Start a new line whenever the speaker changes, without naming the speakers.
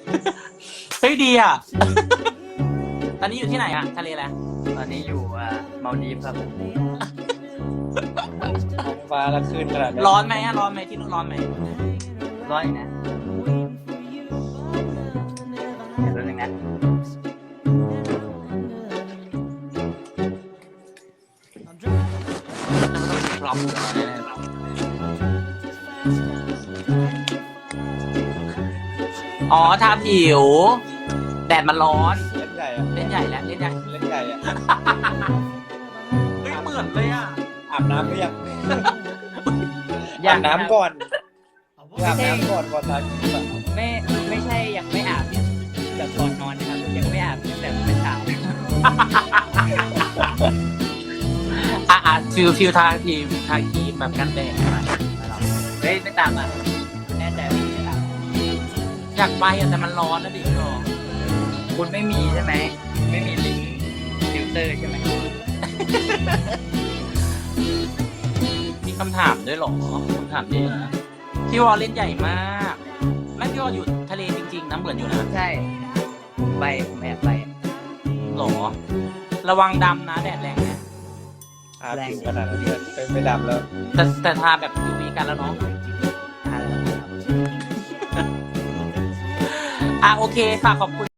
เฮ้ยดีอ่ะ ตอนนี้อยู่ที่ไหนอ่ะทะเลอะไร
ตอนนี้อยู่มาลดีฟครับ
ท้องฟ้าละขึ้นขนาดนี้
ร้อนไหมอ่ะร้อนไหมที่นู่นร้อนไหม
ร้อยนะเดี๋ยวตัวนึงนะ
พร้อมอ๋อทาผิว แดดมันร้อน
เล่นใหญ่อะ
เล่นใหญ่แล้วเล่นใหญ่
เล่นใหญ่อะ
เฮ้ยเหมือนเลยอ่ะ
อาบน้ำหรือยัง
ยั
อาง บน้ำก่อนอาบ
ไม่ใช่
น้ำก่อนทาครีมอะ
ไม่ใช่ยังไม่อาบแบบก่อนนอนนะครับยังไม่อาบแต่เมื่อเช้า
ฟิวทาครีมแบบกันแดดมา
เฮ้ยไม่ตามอ่ะแน่ใจว่าไม่ตาม
อยากไปอ่ะแต่มันร้อนนะดิพี่หรอ
คุณไม่มีใช่ไหมไม่มีลิงก์ฟิลเตอร์ใช่ไหม
มีคำถามด้วยเหรอคำถามเยอะนะพี่วอลเล่นใหญ่มากไม่พี่วอลอยู่ทะเลจริงๆนะเหมือนอยู่นะ
ใช่ไปแอบไป
หรอ ระวังดำนะแดดแรงนะ
อาบผิวขนาดนั้นเลยไม่ดำแล้ว
แต่ทาแบบ UV กันแล้วเนาะ
อะไรนะครับ
โอเคฝากขอบคุณ